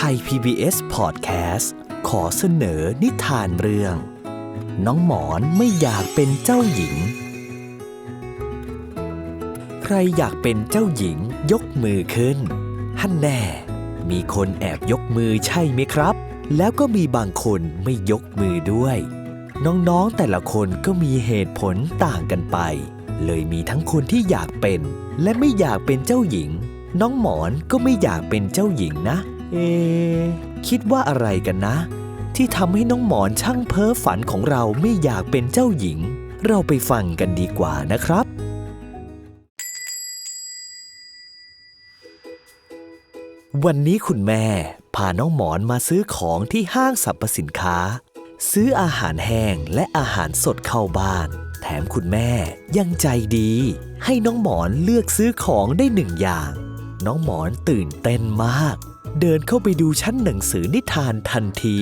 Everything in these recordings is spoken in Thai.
ทย PBS Podcast ขอเสนอนิทานเรื่องน้องหมอนไม่อยากเป็นเจ้าหญิงใครอยากเป็นเจ้าหญิงยกมือขึ้นฮั่นแน่มีคนแอบยกมือใช่ไหมครับแล้วก็มีบางคนไม่ยกมือด้วยน้องๆแต่ละคนก็มีเหตุผลต่างกันไปเลยมีทั้งคนที่อยากเป็นและไม่อยากเป็นเจ้าหญิงน้องหมอนก็ไม่อยากเป็นเจ้าหญิงนะคิดว่าอะไรกันนะที่ทำให้น้องหมอนช่างเพ้อฝันของเราไม่อยากเป็นเจ้าหญิงเราไปฟังกันดีกว่านะครับวันนี้คุณแม่พาน้องหมอนมาซื้อของที่ห้างสรรพสินค้าซื้ออาหารแห้งและอาหารสดเข้าบ้านแถมคุณแม่ยังใจดีให้น้องหมอนเลือกซื้อของได้หนึ่งอย่างน้องหมอนตื่นเต้นมากเดินเข้าไปดูชั้นหนังสือนิทานทันที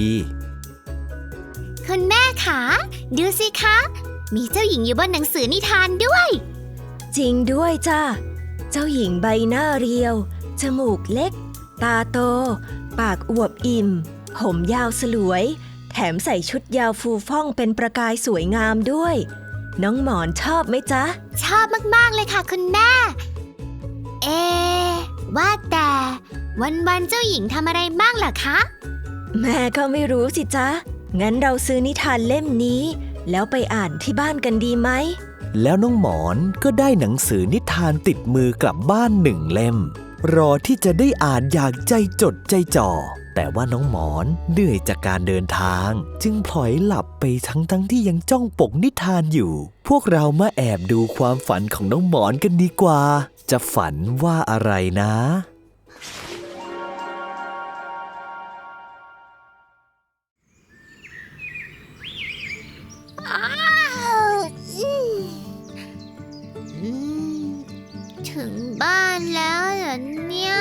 คุณแม่คะดูสิคะมีเจ้าหญิงอยู่บนหนังสือนิทานด้วยจริงด้วยจ้ะเจ้าหญิงใบหน้าเรียวจมูกเล็กตาโตปากอวบอิ่มผมยาวสลวยแถมใส่ชุดยาวฟูฟ่องเป็นประกายสวยงามด้วยน้องหมอนชอบไหมจ๊ะชอบมากๆเลยค่ะคุณแม่ว่าแต่วันๆเจ้าหญิงทำอะไรบ้างล่ะคะแม่ก็ไม่รู้สิจ๊ะงั้นเราซื้อนิทานเล่มนี้แล้วไปอ่านที่บ้านกันดีไหมแล้วน้องหมอนก็ได้หนังสือนิทานติดมือกลับบ้าน1 เล่มรอที่จะได้อ่านอย่างใจจดใจจ่อแต่ว่าน้องหมอนเหนื่อยจากการเดินทางจึงพลอยหลับไปทั้งที่ยังจ้องปกนิทานอยู่พวกเรามาแอบดูความฝันของน้องหมอนกันดีกว่าจะฝันว่าอะไรนะถึงบ้านแล้วเหรอเนี่ย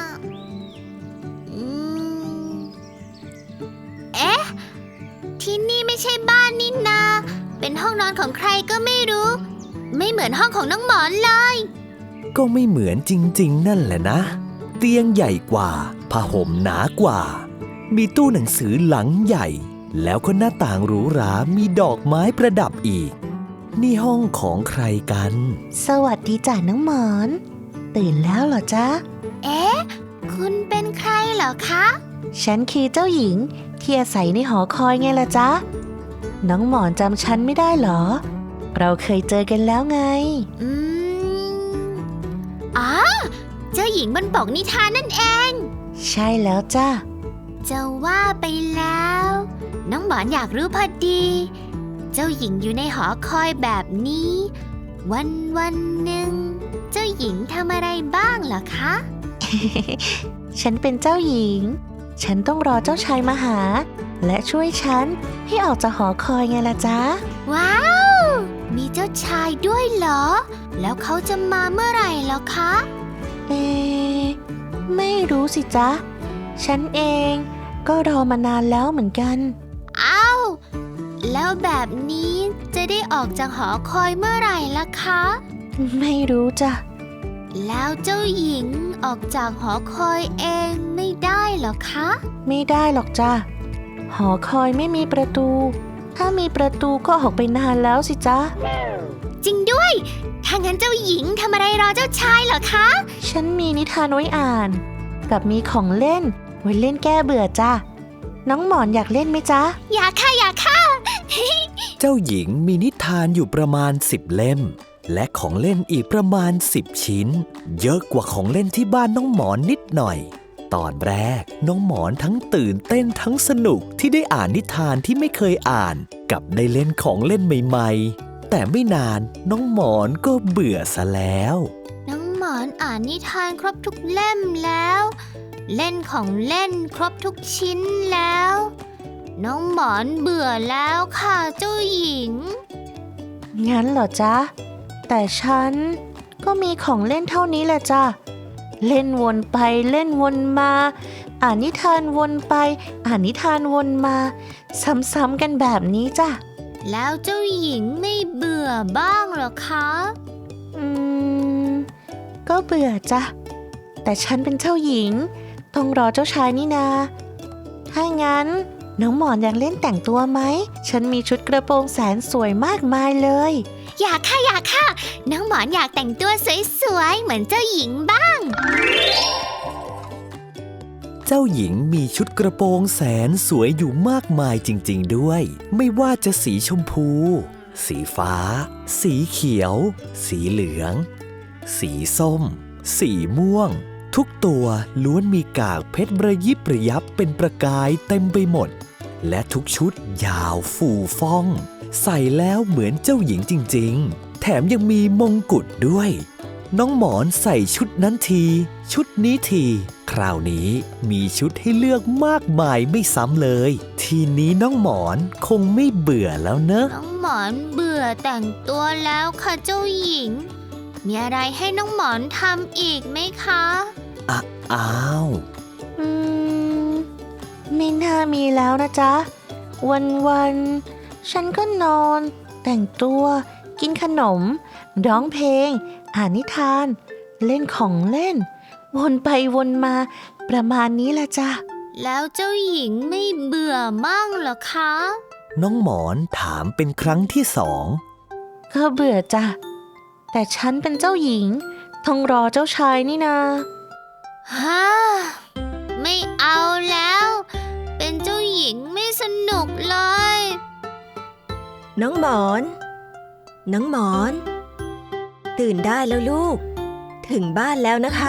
ที่นี่ไม่ใช่บ้านนี่นาเป็นห้องนอนของใครก็ไม่รู้ไม่เหมือนห้องของน้องหมอนเลยก็ไม่เหมือนจริงๆนั่นแหละนะเตียงใหญ่กว่าผ้าห่มหนากว่ามีตู้หนังสือหลังใหญ่แล้วก็หน้าต่างหรูหรามีดอกไม้ประดับอีกนี่ห้องของใครกันสวัสดีจ้ะน้องหมอนตื่นแล้วเหรอจ๊ะคุณเป็นใครเหรอคะฉันคือเจ้าหญิงที่อาศัยในหอคอยไงล่ะจ๊ะน้องหมอนจำฉันไม่ได้เหรอเราเคยเจอกันแล้วไงเจ้าหญิงบนปกนิทานนั่นเองใช่แล้วจ้ะจะว่าไปแล้วน้องหมอนอยากรู้พอดีเจ้าหญิงอยู่ในหอคอยแบบนี้วันหนึ่งเจ้าหญิงทำอะไรบ้างเหรอคะฉันเป็นเจ้าหญิงฉันต้องรอเจ้าชายมาหาและช่วยฉันให้ออกจากหอคอยไงล่ะจ๊ะว้าวมีเจ้าชายด้วยเหรอแล้วเขาจะมาเมื่อไหร่เหรอคะไม่รู้สิจ๊ะฉันเองก็รอมานานแล้วเหมือนกันแล้วแบบนี้จะได้ออกจากหอคอยเมื่อไหร่ล่ะคะไม่รู้จ้ะแล้วเจ้าหญิงออกจากหอคอยเองไม่ได้เหรอคะไม่ได้หรอกจ้ะหอคอยไม่มีประตูถ้ามีประตูก็ออกไปนานแล้วสิจ๊ะจริงด้วยถ้างั้นเจ้าหญิงทำอะไรรอเจ้าชายเหรอคะฉันมีนิทานไว้อ่านกับมีของเล่นไว้เล่นแก้เบื่อจ้ะน้องหมอนอยากเล่นไหมจ๊ะอยากค่ะเจ้าหญิงมีนิทานอยู่ประมาณ10 เล่มและของเล่นอีกประมาณ10 ชิ้นเยอะกว่าของเล่นที่บ้านน้องหมอนนิดหน่อยตอนแรกน้องหมอนทั้งตื่นเต้นทั้งสนุกที่ได้อ่านนิทานที่ไม่เคยอ่านกับได้เล่นของเล่นใหม่ๆแต่ไม่นานน้องหมอนก็เบื่อซะแล้วน้องหมอนอ่านนิทานครบทุกเล่มแล้วเล่นของเล่นครบทุกชิ้นแล้วน้องหมอนเบื่อแล้วค่ะเจ้าหญิงงั้นเหรอจ๊ะแต่ฉันก็มีของเล่นเท่านี้แหละจ้ะเล่นวนไปเล่นวนมาอ่านนิทานวนไปอ่านนิทานวนมาซ้ำๆกันแบบนี้จ้ะแล้วเจ้าหญิงไม่เบื่อบ้างหรอคะก็เบื่อจ้ะแต่ฉันเป็นเจ้าหญิงต้องรอเจ้าชายนี่นาถ้างั้นน้องหมอนอยากเล่นแต่งตัวไหมฉันมีชุดกระโปรงแสนสวยมากมายเลยอยากค่ะอยากค่ะ น้องหมอนอยากแต่งตัวสวยๆเหมือนเจ้าหญิงบ้างเจ้าหญิงมีชุดกระโปรงแสนสวยอยู่มากมายจริงๆด้วย ไม่ว่าจะสีชมพู สีฟ้า สีเขียว สีเหลือง สีส้ม สีม่วง ทุกตัวล้วนมีกากเพชรระยิบระยับเป็นประกายเต็มไปหมด และทุกชุดยาวฟูฟ่อง ใส่แล้วเหมือนเจ้าหญิงจริงๆ แถมยังมีมงกุฎด้วย น้องหมอนใส่ชุดนั้นที ชุดนี้ที คราวนี้มีชุดให้เลือกมากมายไม่ซ้ำเลย ทีนี้น้องหมอนคงไม่เบื่อแล้วเนอะน้องหมอนเบื่อแต่งตัวแล้วค่ะเจ้าหญิง มีอะไรให้น้องหมอนทำอีกไหมคะอ้าวไม่น่ามีแล้วนะจ๊ะวันๆฉันก็นอน แต่งตัวกินขนมร้องเพลงอ่านนิทาน เล่นของเล่น วนไปวนมาประมาณนี้ละจ้ะแล้วเจ้าหญิงไม่เบื่อมั่งเหรอคะน้องหมอนถามเป็นครั้งที่สองก็เบื่อจ้ะแต่ฉันเป็นเจ้าหญิงต้องรอเจ้าชายนี่นาฮ่าไม่เอาแล้ว เป็นเจ้าหญิงไม่สนุกเลยน้องหมอน น้องหมอน ตื่นได้แล้วลูก ถึงบ้านแล้วนะคะ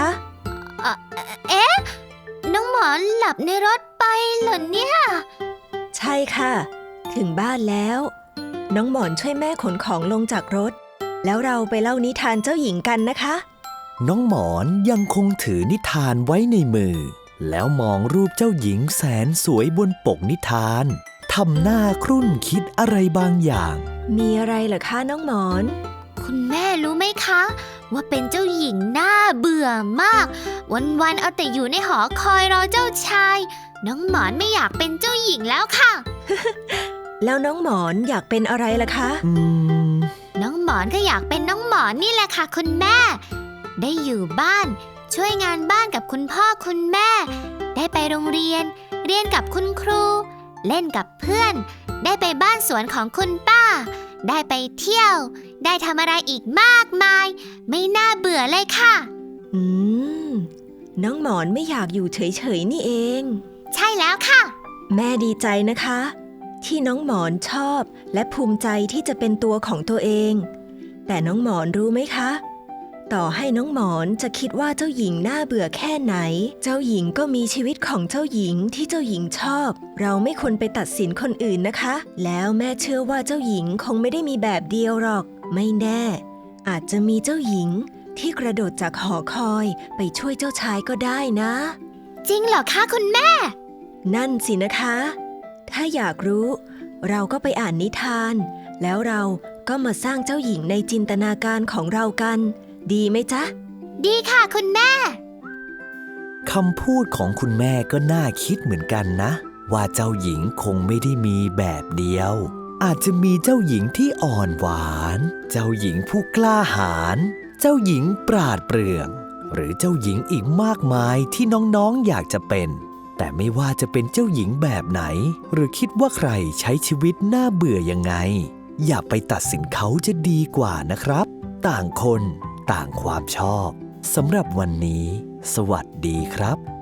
น้องหมอนหลับในรถไปเหรอเนี่ยใช่ค่ะ ถึงบ้านแล้ว น้องหมอนช่วยแม่ขนของลงจากรถ แล้วเราไปเล่านิทานเจ้าหญิงกันนะคะน้องหมอนยังคงถือนิทานไว้ในมือ แล้วมองรูปเจ้าหญิงแสนสวยบนปกนิทานทำหน้าครุ่นคิดอะไรบางอย่างมีอะไรเหรอคะน้องหมอนคุณแม่รู้ไหมคะ ว่าเป็นเจ้าหญิงน่าเบื่อมาก วันๆเอาแต่อยู่ในหอคอยรอเจ้าชาย น้องหมอนไม่อยากเป็นเจ้าหญิงแล้วค่ะแล้วน้องหมอนอยากเป็นอะไรล่ะคะน้องหมอนก็อยากเป็นน้องหมอนนี่แหละค่ะคุณแม่ ได้อยู่บ้าน ช่วยงานบ้านกับคุณพ่อคุณแม่ ได้ไปโรงเรียน เรียนกับคุณครู เล่นกับเพื่อน ได้ไปบ้านสวนของคุณป้า ได้ไปเที่ยว ได้ทำอะไรอีกมากมาย ไม่น่าเบื่อเลยค่ะอืม น้องหมอนไม่อยากอยู่เฉยๆนี่เองใช่แล้วค่ะแม่ดีใจนะคะ ที่น้องหมอนชอบและภูมิใจที่จะเป็นตัวของตัวเอง แต่น้องหมอนรู้ไหมคะ ต่อให้น้องหมอนจะคิดว่าเจ้าหญิงน่าเบื่อแค่ไหน เจ้าหญิงก็มีชีวิตของเจ้าหญิงที่เจ้าหญิงชอบ เราไม่ควรไปตัดสินคนอื่นนะคะ แล้วแม่เชื่อว่าเจ้าหญิงคงไม่ได้มีแบบเดียวหรอก ไม่แน่ อาจจะมีเจ้าหญิงที่กระโดดจากหอคอยไปช่วยเจ้าชายก็ได้นะจริงเหรอคะคุณแม่นั่นสินะคะ ถ้าอยากรู้ เราก็ไปอ่านนิทาน แล้วเราก็มาสร้างเจ้าหญิงในจินตนาการของเรากัน ดีไหมจ๊ะดีค่ะคุณแม่คำพูดของคุณแม่ก็น่าคิดเหมือนกันนะ ว่าเจ้าหญิงคงไม่ได้มีแบบเดียว อาจจะมีเจ้าหญิงที่อ่อนหวาน เจ้าหญิงผู้กล้าหาญเจ้าหญิงปราดเปรื่อง หรือเจ้าหญิงอีกมากมายที่น้องๆอยากจะเป็น แต่ไม่ว่าจะเป็นเจ้าหญิงแบบไหน หรือคิดว่าใครใช้ชีวิตน่าเบื่อยังไง อย่าไปตัดสินเขาจะดีกว่านะครับ ต่างคนต่างความชอบสำหรับวันนี้ สวัสดีครับ